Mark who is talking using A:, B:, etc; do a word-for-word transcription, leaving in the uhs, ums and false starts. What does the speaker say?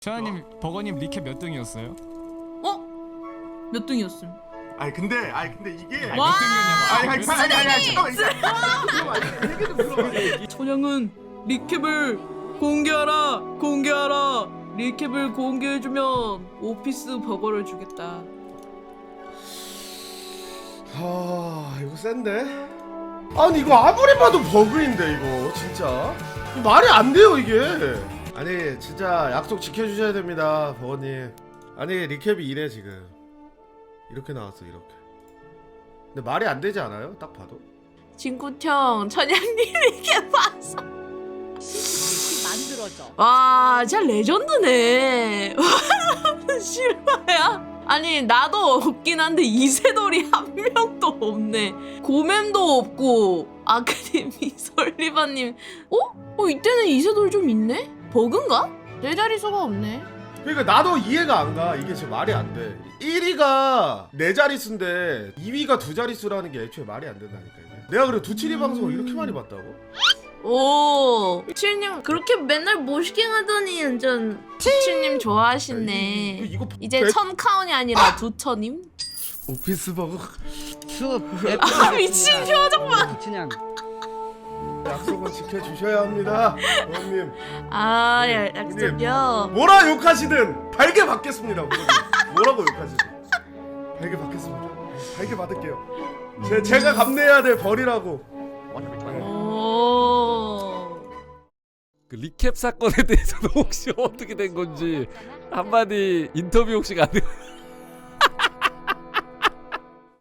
A: 최하님, 버거님 리캡 몇 등이었어요?
B: 어? 몇 등이었음?
C: 아니 근데 아니 근데 이게
A: 아니,
B: 와!
A: 몇 등이었냐고.
C: 아니 아니 아니 아니 아니 잠깐만 잠깐만 얘기 좀 들어봐.
B: 천양은 리캡을 공개하라 공개하라 리캡을 공개해주면 오피스 버거를 주겠다.
C: 아 이거 센데? 아니 이거 아무리 봐도 버그인데 이거 진짜 이거 말이 안 돼요 이게. 아니 진짜 약속 지켜주셔야 됩니다 버거님. 아니 리캡이 이래 지금 이렇게 나왔어 이렇게. 근데 말이 안 되지 않아요? 딱 봐도.
B: 진구형 천양님 리캡 봤어.
D: 만들어져.
B: 와 진짜 레전드네. 실화야? 아니 나도 없긴 한데 이세돌이 한 명도 없네. 고맴도 없고 아크님이 설리바님 어? 어 이때는 이세돌 좀 있네? 버그인가? 내 자릿수가 없네.
C: 그러니까 나도 이해가 안 가. 이게 지금 말이 안 돼. 일 위가 네 자릿수인데 이 위가 두 자릿수라는 게 애초에 말이 안 된다니까 이게. 내가 그래 두칠이 방송을 이렇게 많이 봤다고?
B: 오 칠님 그렇게 맨날 모시갱 하더니 완전 칠님 좋아하시네.
C: 이거, 이거
B: 이제 천 카운이 아니라 두 천임?
C: 오피스 버거
D: 숲.
B: 아 미친 표정 봐.
D: 그냥
C: 약속은 지켜주셔야 합니다 부모님.
B: 아
C: 네,
B: 야, 약속이요.
C: 뭐라 욕하시든 달게 받겠습니다 부모님. 뭐라고 욕하시든 달게 받겠습니다. 달게 받을게요. 제, 제가 감내해야 될 벌이라고.
B: 오.
E: 그 리캡 사건에 대해서는 혹시 어떻게 된 건지 한마디 인터뷰 혹시 가능?